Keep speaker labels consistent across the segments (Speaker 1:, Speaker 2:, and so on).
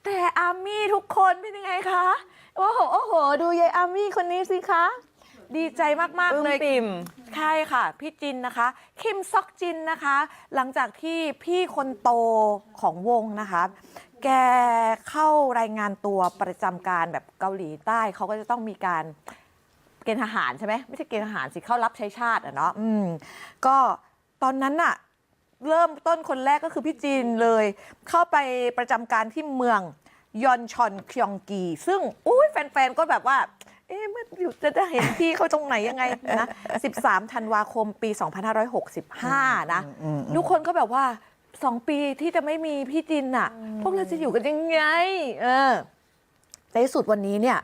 Speaker 1: แต่อาร์มี่ทุกคนเป็นยังไงคะโอ้โหโอ้โหดูยายอาร์มี่คนนี้สิคะดีใจมากๆเลย
Speaker 2: ปิ่ม
Speaker 1: ใช่ค่ะพี่จินนะคะคิมซอกจินนะคะ หลังจากที่พี่คนโตของวงนะคะแกเข้ารายงานตัวประจำการแบบเกาหลีใต้เขาก็จะต้องมีการเกณฑ์ทหารใช่ไหมไม่ใช่เกณฑ์ทหารสิเข้ารับใช้ชาติอะเนาะก็ตอนนั้นน่ะเริ่มต้นคนแรกก็คือพี่จีนเลย เข้าไปประจำการที่เมืองยอนชอนคยองกี ซึ่งอุ้ยแฟนๆก็แบบว่าเอ๊ะมันอยู่จะได้เห็นพี่เขาตรงไหนยังไงนะ13 ธันวาคมปี 2565 นะทุกคนก็แบบว่า2 ปีที่จะไม่มีพี่จินน่ะพวกเราจะอยู่กันยังไงในที่สุดวันนี้เนี่ย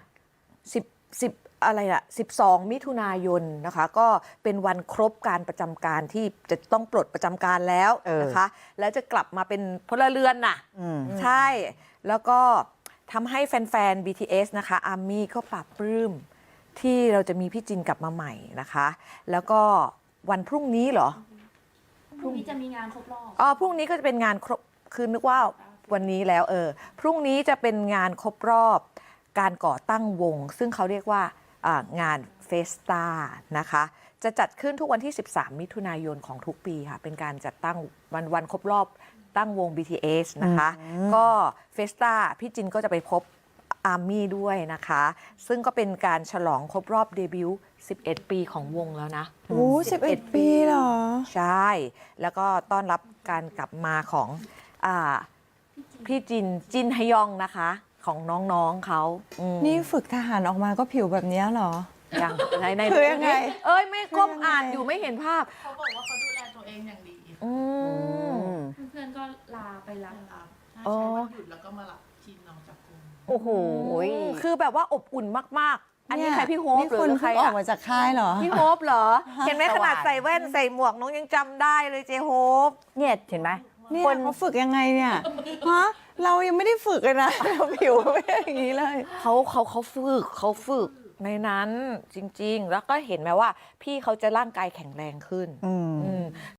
Speaker 1: 10อะไรล่ะ12 มิถุนายนนะคะก็เป็นวันครบการประจำการที่จะต้องปลดประจำการแล้วนะคะแล้วจะกลับมาเป็นพลเรือนน่ะใช่แล้วก็ทำให้แฟนๆ BTS นะคะอาร์มี่ก็ปรับปลื้มที่เราจะมีพี่จินกลับมาใหม่นะคะแล้วก็วันพรุ่งนี้เหรอ
Speaker 3: พรุ่งนี้จะมีงานครบรอบ
Speaker 1: พรุ่งนี้ก็จะเป็นงานครบคือนึกว่าวันนี้แล้วพรุ่งนี้จะเป็นงานครบรอบการก่อตั้งวง ซึ่งเขาเรียกว่างานเฟสตานะคะจะจัดขึ้นทุกวันที่13 มิถุนายนของทุกปีค่ะเป็นการจัดตั้งวันครบรอบตั้งวง BTS นะคะก็เฟสตาพี่จินก็จะไปพบอาร์มี่ด้วยนะคะซึ่งก็เป็นการฉลองครบรอบเดบิวต์11 ปีของวงแล้วนะ
Speaker 2: โอ้11 ปีเหรอ
Speaker 1: ใช่ แล้วก็ต้อนรับการกลับมาของพี่จินฮยองนะคะ ของน้องๆเขา
Speaker 2: นี่ฝึกทหารออกมาก็ผิวแบบนี้เหรอ
Speaker 1: อย่างใน
Speaker 2: คือยังไง
Speaker 1: ไม่ก้มอ่านอยู่ไม่เห็นภาพ
Speaker 3: เขาบอกว่าเขาดูแลตัวเองอย่างดี เพื่อนๆก็ลาไปรับ
Speaker 4: ใช้วันหยุดแล้วก็มารับทีมน้องจากกรุง
Speaker 2: โอ้โห
Speaker 1: คือแบบว่าอบอุ่นมากๆ อันนี้ใครพี่โฮป
Speaker 2: นี่
Speaker 1: หรื
Speaker 2: คุณ
Speaker 1: อใคร
Speaker 2: เพิ่งออกมาจากค่ายเหรอ
Speaker 1: พี่โฮปเหรอ เห็นไหมขนาดใส่แว่นใส่หมวกน้องยังจำได้เลยเจโฮป
Speaker 5: เนี่ยเห็นไหม
Speaker 2: เนี่ยเขาฝึกยังไงเนี่ย ฮะ เรายังไม่ได้ฝึกเลยนะ เราผิวไม่ได้อย่างนี้เลย
Speaker 1: เขาฝึกในนั้นจริงๆ แล้วก็เห็นไหมว่าพี่เขาจะร่างกายแข็งแรงขึ้น